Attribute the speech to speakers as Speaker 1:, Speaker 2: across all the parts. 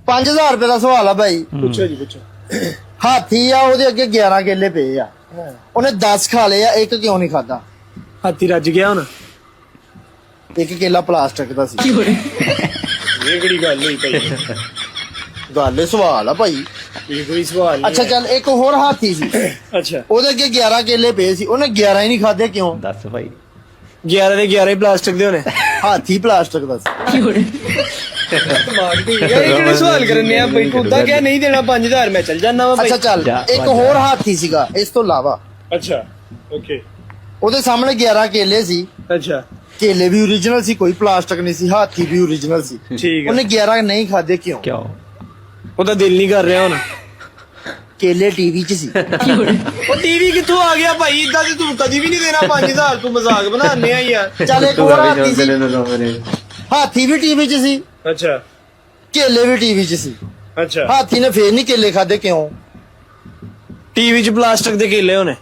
Speaker 1: 5000 ਰੁਪਏ ਦਾ ਸਵਾਲ ਆ ਭਾਈ।
Speaker 2: ਪੁੱਛੋ ਜੀ ਪੁੱਛੋ।
Speaker 1: ਹਾਥੀ ਆ, ਉਹਦੇ ਅੱਗੇ 11 ਕੇਲੇ ਪਏ ਆ, ਉਹਨੇ 10 ਖਾ ਲਏ ਆ, ਇੱਕ ਕਿਉਂ ਨਹੀਂ ਖਾਦਾ?
Speaker 2: ਹਾਥੀ ਰੱਜ ਗਿਆ ਹੁਣ।
Speaker 1: ਇੱਕ ਕੇਲਾ ਪਲਾਸਟਿਕ ਦਾ ਸੀ।
Speaker 2: ਇਹ ਕਿਹੜੀ ਗੱਲ ਹੋਈ ਭਾਈ?
Speaker 1: ਗੱਲ ਸਵਾਲ ਆ ਭਾਈ।
Speaker 2: ਇਹ ਕੋਈ ਸਵਾਲ ਨਹੀਂ।
Speaker 1: ਅੱਛਾ ਚੱਲ, ਇੱਕ ਹੋਰ ਹਾਥੀ ਸੀ,
Speaker 2: ਅੱਛਾ,
Speaker 1: ਉਹਦੇ ਅੱਗੇ 11 ਕੇਲੇ ਪਏ ਸੀ, ਉਹਨੇ 11 ਹੀ ਨਹੀਂ ਖਾਦੇ, ਕਿਉਂ?
Speaker 3: ਦੱਸ ਭਾਈ।
Speaker 2: 11 ਦੇ 11 ਹੀ ਪਲਾਸਟਿਕ ਦੇ ਹੋਣੇ।
Speaker 1: ਹਾਥੀ ਪਲਾਸਟਿਕ ਦਾ ਸੀ।
Speaker 2: ਦਿਮਾਗ ਠੀਕ ਹੈ। ਇਹ ਕਿਹੜੇ ਸਵਾਲ ਕਰਨੇ ਆ ਭਾਈ? ਤੂੰ ਤਾਂ ਕਿਹਾ ਨਹੀਂ ਦੇਣਾ 5000, ਮੈਂ ਚੱਲ ਜਾਣਾ ਵਾ ਭਾਈ।
Speaker 1: ਅੱਛਾ ਚੱਲ, ਇੱਕ ਹੋਰ ਹਾਥੀ ਸੀਗਾ ਇਸ ਤੋਂ ਇਲਾਵਾ,
Speaker 2: ਅੱਛਾ ਓਕੇ।
Speaker 1: ਉਹਦੇ ਸਾਹਮਣੇ 11 ਕੇਲੇ ਸੀ,
Speaker 2: ਅੱਛਾ
Speaker 1: ਕੇਲੇ ਵੀ ਓਰੀਜਨਲ ਸੀ, ਕੋਈ ਪਲਾਸਟਿਕ ਨਹੀਂ ਸੀ, ਹਾਥੀ ਵੀ ਓਰੀਜਨਲ ਸੀ,
Speaker 2: ਠੀਕ
Speaker 1: ਉਹਨੇ
Speaker 2: ਹੈ।
Speaker 1: 11 ਨਹੀਂ ਖਾਦੇ, ਕਿਉਂ?
Speaker 3: ਕਿਉਂ?
Speaker 2: ਉਹਦਾ ਦਿਲ ਨਹੀਂ ਕਰ ਰਿਹਾ ਹੁਣ।
Speaker 1: ਕੇਲੇ ਟੀਵੀ 'ਚ ਸੀ।
Speaker 2: ਉਹ ਟੀਵੀ ਕਿੱਥੋਂ ਆ ਗਿਆ ਭਾਈ? ਇਦਾਂ ਤੇ ਤੂੰ ਕਦੀ ਵੀ ਨਹੀਂ ਦੇਣਾ 5000। ਤੂੰ ਮਜ਼ਾਕ ਬਣਾਉਂਦੇ ਆ ਯਾਰ।
Speaker 1: ਚੱਲ ਇੱਕ ਹੋਰ ਹਾਥੀ ਸੀ, ਹਾਥੀ ਵੀ ਟੀਵੀ 'ਚ ਸੀ,
Speaker 2: ਅੱਛਾ
Speaker 1: ਕੇਲੇ ਵੀ ਟੀਵੀ 'ਚ ਸੀ,
Speaker 2: ਅੱਛਾ।
Speaker 1: ਹਾਥੀ ਨੇ ਫੇਰ ਨਹੀਂ ਕੇਲੇ ਖਾਦੇ, ਕਿਉਂ?
Speaker 2: ਟੀਵੀ 'ਚ ਪਲਾਸਟਿਕ ਦੇ ਕੇਲੇ ਹੋਣੇ।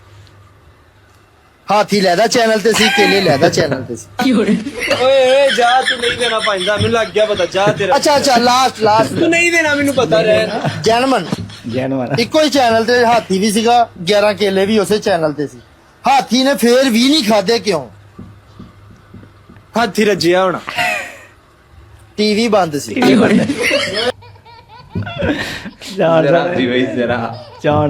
Speaker 1: ਹਾਥੀ ਲੈਦਾ ਚੈਨਲ ਤੇ ਸੀ, ਕੇਲੇ ਲੈਦਾ ਚੈਨਲ ਤੇ ਸੀ।
Speaker 2: ਓਏ ਓਏ ਜਾ, ਤੂੰ ਨਹੀਂ ਦੇਣਾ 5000। ਮੈਨੂੰ ਲੱਗ ਗਿਆ ਪਤਾ। ਜਾ ਤੇਰਾ।
Speaker 1: ਅੱਛਾ ਲਾਸਟ
Speaker 2: ਤੂੰ ਨਹੀਂ ਦੇਣਾ, ਮੈਨੂੰ ਪਤਾ ਰਹਿ।
Speaker 1: ਜੈਨਮਨ,
Speaker 3: ਜੈਨਵਰ।
Speaker 1: ਇੱਕੋ ਹੀ ਚੈਨਲ ਤੇ ਹਾਥੀ ਵੀ ਸੀਗਾ, 11 ਕੇਲੇ ਵੀ ਉਸੇ ਚੈਨਲ ਤੇ ਸੀ, ਹਾਥੀ ਨੇ ਫੇਰ ਵੀ ਨਹੀਂ ਖਾਦੇ, ਕਿਉਂ?
Speaker 2: ਹਾਥੀ ਰੱਜਿਆ ਹੋਣਾ।
Speaker 1: ਟੀਵੀ ਬੰਦ ਸੀ।
Speaker 3: ਜਾਣ